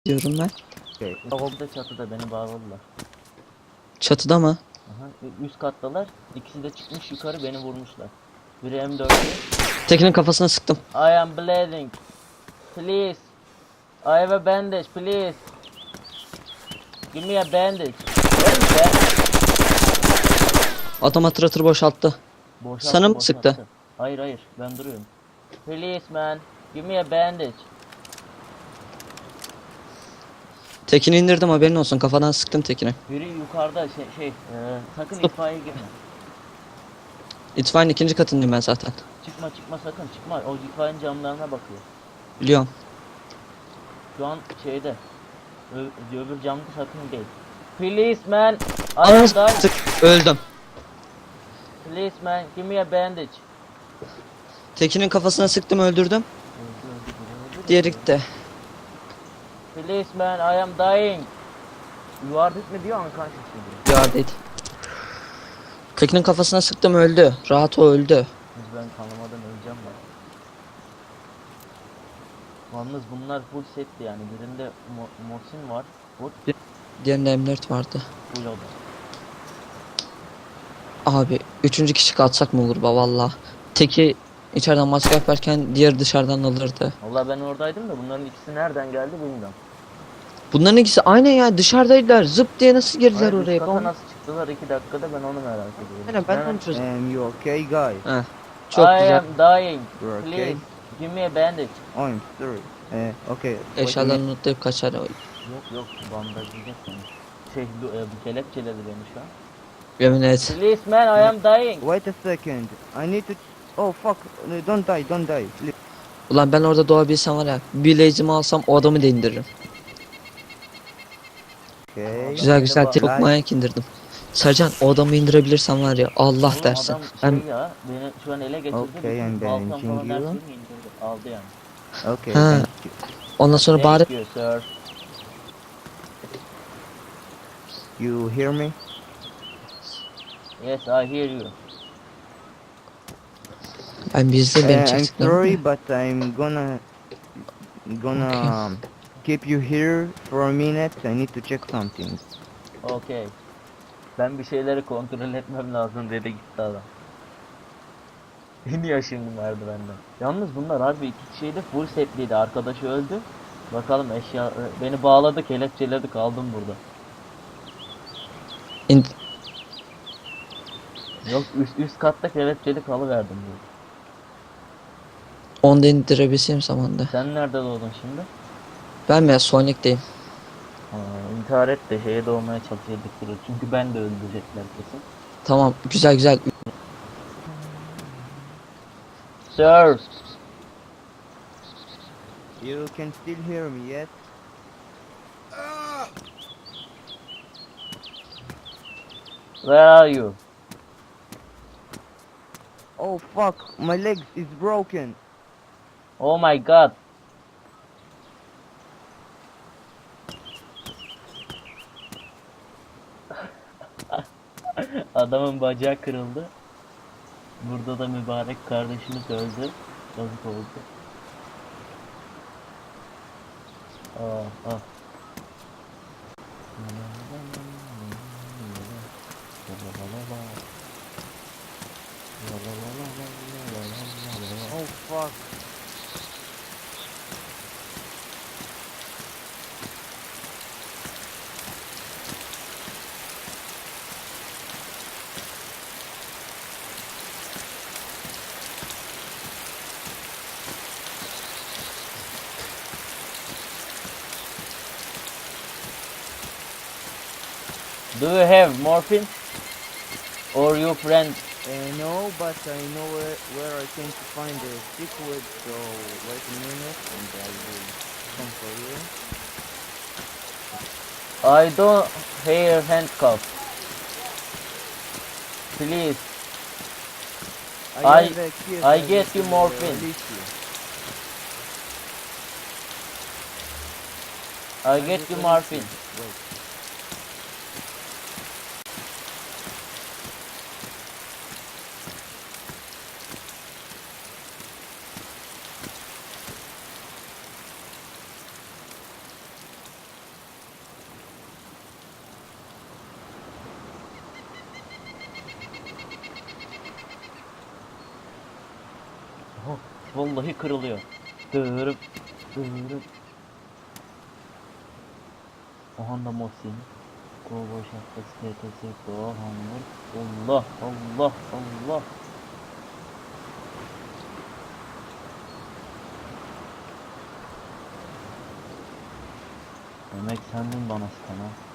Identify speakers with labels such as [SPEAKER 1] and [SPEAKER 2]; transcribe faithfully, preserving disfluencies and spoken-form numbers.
[SPEAKER 1] diyorum ben.
[SPEAKER 2] Okay.
[SPEAKER 3] Orada çatıda beni bağladılar.
[SPEAKER 1] Çatıda mı?
[SPEAKER 3] Aha, ü- üst kattalar. İkisi de çıkmış yukarı beni vurmuşlar. Biri M dörtlü.
[SPEAKER 1] Tekin'in kafasına sıktım.
[SPEAKER 3] I am bleeding. Please. I have a bandage, please. Give me a bandage. Verin be.
[SPEAKER 1] Adam hatırlatır boşalttı.
[SPEAKER 3] Boşalttı,
[SPEAKER 1] Sana mı
[SPEAKER 3] boşalttı.
[SPEAKER 1] sıktı?
[SPEAKER 3] Hayır hayır, ben duruyorum. Please man, give me a bandage.
[SPEAKER 1] Tekin'i indirdim, haberin olsun, kafadan sıktım Tekin'i.
[SPEAKER 3] Biri yukarıda şey şey, e, sakın itfaiye girme.
[SPEAKER 1] İtfaiyenin ikinci katındayım ben zaten.
[SPEAKER 3] Çıkma çıkma sakın çıkma. O itfaiyenin camlarına bakıyor.
[SPEAKER 1] Biliyorum.
[SPEAKER 3] Şu an şeyde. Ö öbür camda sakın değil. Please man, I am
[SPEAKER 1] Ananı
[SPEAKER 3] dying.
[SPEAKER 1] sık, öldüm.
[SPEAKER 3] Please man, give me a bandage.
[SPEAKER 1] Tekin'in kafasına sıktım, öldürdüm.
[SPEAKER 3] Öldü, öldü, öldü, öldü.
[SPEAKER 1] Diğeri gitti.
[SPEAKER 3] Please man, I am dying. You are dead mi diyor, unconscious diyor.
[SPEAKER 1] Yardaydı. Tekin'in kafasına sıktım, öldü. Rahat, o öldü.
[SPEAKER 3] Biz ben kanamadan öleceğim ben. Yalnız bunlar full setti yani. Birinde Mo Mosin var. Full.
[SPEAKER 1] Diğerinde M dört vardı.
[SPEAKER 3] Full o da.
[SPEAKER 1] Abi üçüncü kişi katsak mı olur ba valla. Teki içeriden maske yaparken diğer dışarıdan alırdı.
[SPEAKER 3] Valla ben oradaydım da bunların ikisi nereden geldi bilmiyorum.
[SPEAKER 1] Bunların ikisi aynen ya, dışarıdaydılar. Zıp diye nasıl girdiler
[SPEAKER 3] Hayır, üst
[SPEAKER 1] oraya?
[SPEAKER 3] kata
[SPEAKER 1] Ben...
[SPEAKER 3] nasıl çıktılar iki dakikada, ben onu merak ediyorum.
[SPEAKER 1] Aynen, ben de onu çözdüm.
[SPEAKER 2] Um, you okay, guys?
[SPEAKER 1] Heh, çok
[SPEAKER 3] I
[SPEAKER 1] güzel.
[SPEAKER 3] am dying.
[SPEAKER 2] You're okay?
[SPEAKER 3] Please give me a bandage.
[SPEAKER 2] Oh, I'm sorry. Uh, okay. wait a
[SPEAKER 1] Eşyalarını
[SPEAKER 2] minute.
[SPEAKER 1] unutlayıp kaçar.
[SPEAKER 3] Yok yok, bandajlayacak beni. Şey bu e, bu kelepçeledi beni şu an.
[SPEAKER 1] Yemin et.
[SPEAKER 3] Please man, I am dying.
[SPEAKER 2] Wait a second. I need to. Oh fuck! Uh, Don't die! Don't die! Please.
[SPEAKER 1] Ulan ben orada doğabilsem var ya, bir lazy'mi alsam o adamı da indiririm.
[SPEAKER 2] Okay.
[SPEAKER 1] Güzel güzel
[SPEAKER 3] bak-
[SPEAKER 1] tek manyak indirdim. Sercan, o adamı indirebilirsen var ya, Allah
[SPEAKER 3] Oğlum
[SPEAKER 1] dersin.
[SPEAKER 3] adam şey
[SPEAKER 1] Ben
[SPEAKER 3] ya, beni şu an ele geçirdi.
[SPEAKER 2] Okay,
[SPEAKER 3] bütün
[SPEAKER 2] I'm
[SPEAKER 3] baltam
[SPEAKER 2] banishing
[SPEAKER 3] falan her
[SPEAKER 2] you.
[SPEAKER 3] şeyini indirdi. Aldı yani.
[SPEAKER 2] Okay.
[SPEAKER 1] Ha.
[SPEAKER 2] Thank you.
[SPEAKER 1] ondan sonra bari
[SPEAKER 3] Thank you sir.
[SPEAKER 2] You hear me?
[SPEAKER 3] Yes, I hear you.
[SPEAKER 1] ben bizde
[SPEAKER 2] Uh,
[SPEAKER 1] beni
[SPEAKER 2] I'm
[SPEAKER 1] çektikler.
[SPEAKER 2] sorry, but I'm gonna gonna
[SPEAKER 1] Okay.
[SPEAKER 2] um, keep you here for a minute. I need to check something.
[SPEAKER 3] Okay. Ben bir şeyleri kontrol etmem lazım dedi gitti adam. En yaşım vardı benden. Yalnız bunlar harbi iki şeyde full setliydi. Arkadaşı öldü. Bakalım eşya beni bağladı, kelepçeledi, kaldım burada.
[SPEAKER 1] İn-
[SPEAKER 3] Yok üst, üst katta kelepçeli kalıverdim burada.
[SPEAKER 1] Onu da indirebilsem zamanda.
[SPEAKER 3] Sen nerede doğdun şimdi?
[SPEAKER 1] Ben mi ya, Sonic'teyim.
[SPEAKER 3] Ha, intihar et de şeye doğmaya çalışıyorduk durur. Çünkü ben de öldürecekler kesin.
[SPEAKER 1] Tamam, güzel güzel.
[SPEAKER 3] Sir!
[SPEAKER 2] You can still hear me, yes?
[SPEAKER 3] Where are you?
[SPEAKER 2] Oh fuck! My leg is broken.
[SPEAKER 3] Oh my god! Adamın bacağı kırıldı. Burada da mübarek kardeşimiz öldü. Yazık oldu. Ah ah.
[SPEAKER 2] Oh fuck!
[SPEAKER 3] Do you have morphine? Or your friend?
[SPEAKER 2] Uh, no, but I know where, where I can to find the liquid, so wait a minute and I will come for you.
[SPEAKER 3] I don't hear handcuff. Please. I-
[SPEAKER 2] have a key,
[SPEAKER 3] I
[SPEAKER 2] so
[SPEAKER 3] get you
[SPEAKER 2] will, uh,
[SPEAKER 3] morphine.
[SPEAKER 2] release you.
[SPEAKER 3] I
[SPEAKER 2] I
[SPEAKER 3] get
[SPEAKER 2] will
[SPEAKER 3] you
[SPEAKER 2] release
[SPEAKER 3] morphine.
[SPEAKER 2] you. Wait.
[SPEAKER 3] vallahi kırılıyor. Dırıp dırıp. Aha da Mosin. Kovboy şapkası T T S Doğa Hamur. Allah Allah Allah. Demek sendin bana sıkan ha.